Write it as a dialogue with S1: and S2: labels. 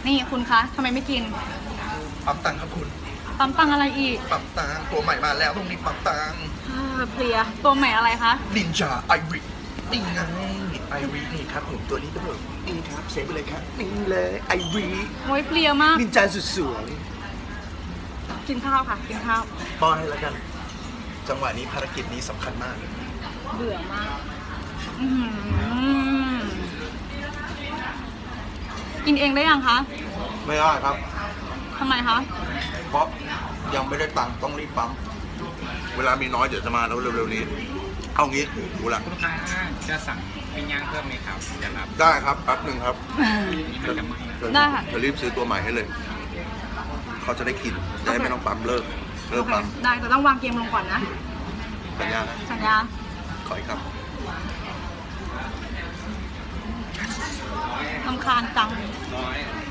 S1: นี่คุณคะทำไมไม่กิน
S2: ปั๊มตังค์ครับคุณ
S1: ปั๊มตังอะไรอีก
S2: ปั๊มตังค์ตัวใหม่มาแล้วตรงนี้ปั๊มตังค์
S1: เพลียตัวใหม่อะไรคะ
S2: นินจาไอรินี่ไงไอรินี่ครับผมตัวนี้ก็แบบนี่ครับเซฟไปเลยครับนี่เลยไอริ
S1: โอ้ยเพลียมาก
S2: นินจาสุดสวย
S1: กินข้าวค่ะกินข้าว
S2: ป้อนให้แล้วกัน จังหวะนี้ภารกิจนี้สำคัญมาก
S1: เบื่อมากอื้อหือกินเองได้ยังคะ
S2: ไม่ได้ครับ
S1: ทำไมคะ
S2: เพราะยังไม่ได้ตังค์ต้องรีบปั๊มเวลามีน้อยเดี๋ยวจะมาแล้วเร็วๆนี้ เอางี้กูละ
S3: ลูกค้าจะสั่งปิ้งย่างเพิ่มไหมครับจะรับ
S2: ได้ครับแป๊บหนึ่งครับ
S3: นี่มันจะไหม้
S1: ได้ค่ะ
S2: จะรีบซื้อตัวใหม่ให้เลย เขาจะได้กินจะได้ไม่ต้องปั๊มเลิก
S1: โอ
S2: เลิก
S1: เค
S2: ปั๊ม
S1: ได้แต่ต้องวางเกมลงก่อนนะ
S2: สัญญานะ
S1: สัญญา
S2: ขออีกครับ
S1: รำคาญจัง
S3: ร้อย